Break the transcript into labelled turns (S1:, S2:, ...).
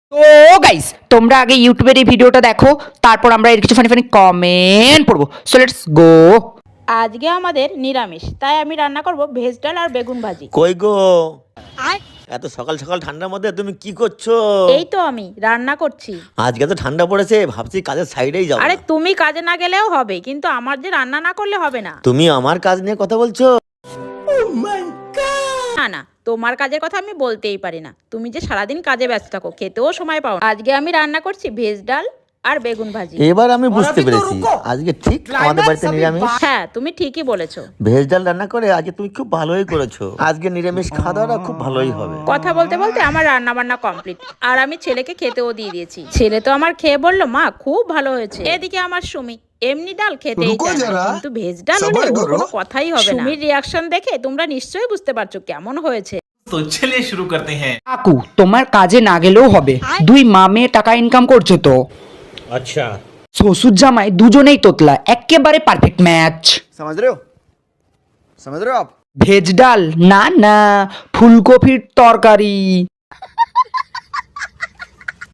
S1: তো গাইস, তোমরা আগে ইউটিউবের এই ভিডিওটা দেখো, তারপর আমরা এর কিছু ফানি ফানি কমেন্ট পড়বো। So let's go.
S2: আজকে আমাদের নিরামিষ, তাই আমি রান্না করব ভেজ ডাল আর বেগুন ভাজি।
S3: কই গো, এত সকাল সকাল ঠান্ডার মধ্যে তুমি কি করছো?
S2: এই তো আমি রান্না করছি।
S3: আজকে তো ঠান্ডা পড়েছে, ভাবছি কাজের সাইডেই যাবো।
S2: আরে তুমি কাজে না গেলেও হবে, কিন্তু আমার যে রান্না না করলে হবে না।
S3: তুমি আমার কাজ নিয়ে কথা বলছো?
S2: না না, তোমার কাজের কথা আমি বলতেই পারি না। তুমি যে সারাদিন কাজে ব্যস্ত থাকো, খেতেও সময় পাও না। আজকে আমি রান্না করছি ভেজ ডাল আর বেগুন ভাজি।
S3: এবার আমি বুঝতে পেরেছি, আজকে ঠিক আমাদের বাড়িতে নিরামিষ।
S2: হ্যাঁ, তুমি ঠিকই বলেছো।
S3: ভেজ ডাল রান্না করে আজকে তুমি খুব ভালোই করেছো। আজকে নিরামিষ খাওয়া দাওয়াটা খুব ভালোই হবে।
S2: কথা বলতে বলতে আমার রান্না বান্না কমপ্লিট, আর আমি ছেলেকে খেতেও দিয়ে দিয়েছি। ছেলে তো আমার খেয়ে বললো, মা খুব ভালো হয়েছে। এদিকে আমার সুমি এমনি ডাল খেতেই চায় না, কিন্তু ভেজ ডাল হলে ওর কোনো কথাই হবে না। সুমির রিয়াকশন দেখে তোমরা নিশ্চয়ই বুঝতে পারছো কেমন হয়েছে।
S4: तो चलिए शुरू करते हैं।
S1: কাকু, তোমার কাজে না গেলেও হবে, দুই মা মেয়ে টাকা ইনকাম করছো তো।
S4: अच्छा,
S1: শ্বশুর জামাই দুজনেই তোতলা, একেবারে পারফেক্ট ম্যাচ।
S5: समझ रहे हो समझ रहे हो आप।
S1: ভেজ ডাল না না, ফুলকপির তরকারি।